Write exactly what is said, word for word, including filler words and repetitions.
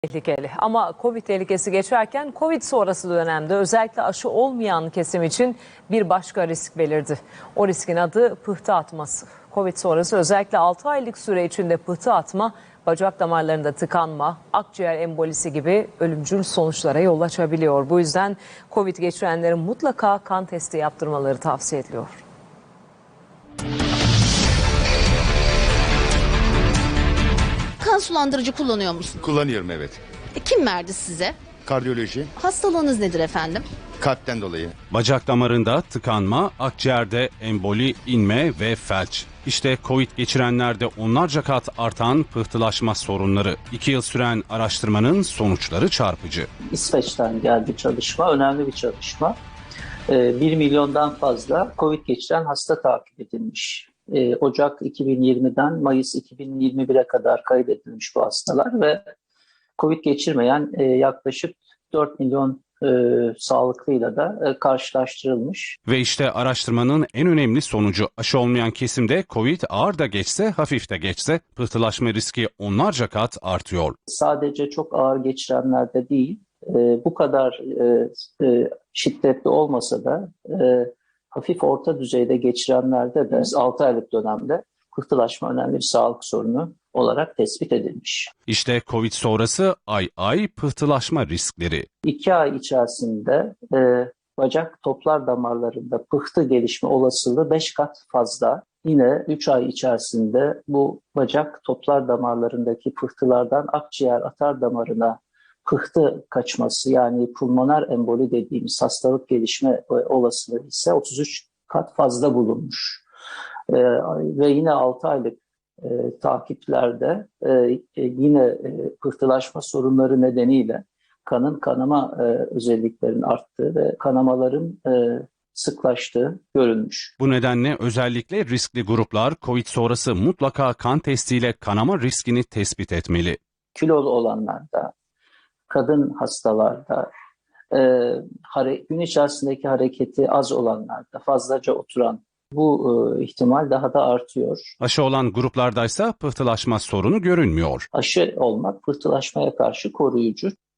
tehlikeli. Ama Covid tehlikesi geçerken Covid sonrası dönemde özellikle aşı olmayan kesim için bir başka risk belirdi. O riskin adı pıhtı atması. Covid sonrası özellikle altı aylık süre içinde pıhtı atma, bacak damarlarında tıkanma, akciğer embolisi gibi ölümcül sonuçlara yol açabiliyor. Bu yüzden Covid geçirenlerin mutlaka kan testi yaptırmaları tavsiye ediliyor. Kan sulandırıcı kullanıyor musun? Kullanıyorum, evet. E, kim verdi size? Kardiyoloji, Hastalığınız nedir efendim? kalpten dolayı. Bacak damarında tıkanma, akciğerde emboli, inme ve felç. İşte Covid geçirenlerde onlarca kat artan pıhtılaşma sorunları. İki yıl süren araştırmanın sonuçları çarpıcı. İsveç'ten geldi çalışma, önemli bir çalışma. bir milyondan fazla Covid geçiren hasta takip edilmiş. Ocak iki bin yirmiden Mayıs iki bin yirmi bire kadar kaydedilmiş bu hastalar ve Covid geçirmeyen yaklaşık dört milyon e, sağlıklıyla da e, karşılaştırılmış. Ve işte araştırmanın en önemli sonucu, aşı olmayan kesimde Covid ağır da geçse, hafif de geçse pıhtılaşma riski onlarca kat artıyor. Sadece çok ağır geçirenlerde değil, e, bu kadar e, e, şiddetli olmasa da e, hafif orta düzeyde geçirenlerde de altı aylık dönemde pıhtılaşma önemli bir sağlık sorunu olarak tespit edilmiş. İşte Covid sonrası ay ay pıhtılaşma riskleri. İki ay içerisinde e, bacak toplar damarlarında pıhtı gelişme olasılığı beş kat fazla. Yine üç ay içerisinde bu bacak toplar damarlarındaki pıhtılardan akciğer atar damarına pıhtı kaçması, yani pulmoner emboli dediğimiz hastalık gelişme olasılığı ise otuz üç kat fazla bulunmuş. E, ve yine altı aylık E, takiplerde e, e, yine e, pıhtılaşma sorunları nedeniyle kanın kanama e, özelliklerinin arttığı ve kanamaların e, sıklaştığı görülmüş. Bu nedenle özellikle riskli gruplar Covid sonrası mutlaka kan testiyle kanama riskini tespit etmeli. Kilolu olanlarda, kadın hastalarda, e, hare, gün içerisindeki hareketi az olanlarda, fazlaca oturan, bu e, ihtimal daha da artıyor. Aşı olan gruplardaysa pıhtılaşma sorunu görünmüyor. Aşı olmak pıhtılaşmaya karşı koruyucu.